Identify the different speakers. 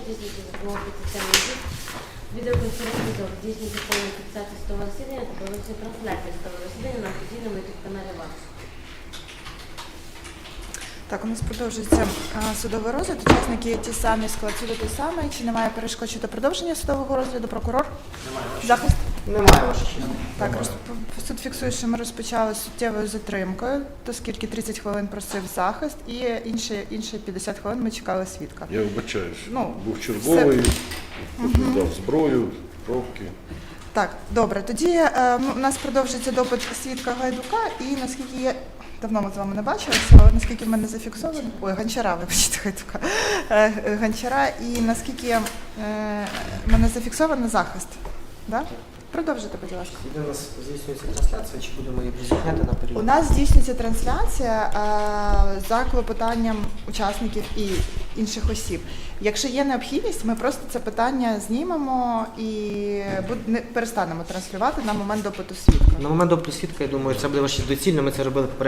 Speaker 1: здійснюється за допомогою спеціальних дій, відеоконференції, здійснюється повна фіксація судового засідання та проводиться трансляція судового засідання на офіційному ютуб-каналі ВАК.
Speaker 2: Так, у нас продовжується судовий розгляд. Учасники ті самі, склад суду той самий. Чи немає перешкод щодо продовження судового розгляду? Прокурор? Захист?
Speaker 3: Немає, ваша честь.
Speaker 2: Так, суд фіксує, що ми розпочали з суттєвою затримкою, оскільки 30 хвилин просив захист і інші 50 хвилин ми чекали свідка.
Speaker 4: Я вибачаюсь.
Speaker 2: Ну,
Speaker 4: був черговий, дав зброю, пробки.
Speaker 2: Так, добре. Тоді у нас продовжується допит свідка Гайдука, і наскільки я давно ми з вами не бачилися, але наскільки в мене зафіксовано, Гончара, вибачте, Гайдука, Гончара, і наскільки в мене зафіксовано захист, да? Продовжуйте, будь ласка.
Speaker 3: Іде у нас здійснюється трансляція, чи будемо її зняти на період?
Speaker 2: У нас здійснюється трансляція за клопотанням учасників і інших осіб. Якщо є необхідність, ми просто це питання знімемо і перестанемо транслювати на момент допиту свідка.
Speaker 3: На момент допиту свідка, я думаю, це буде ваше доцільно, ми це робили попередньо.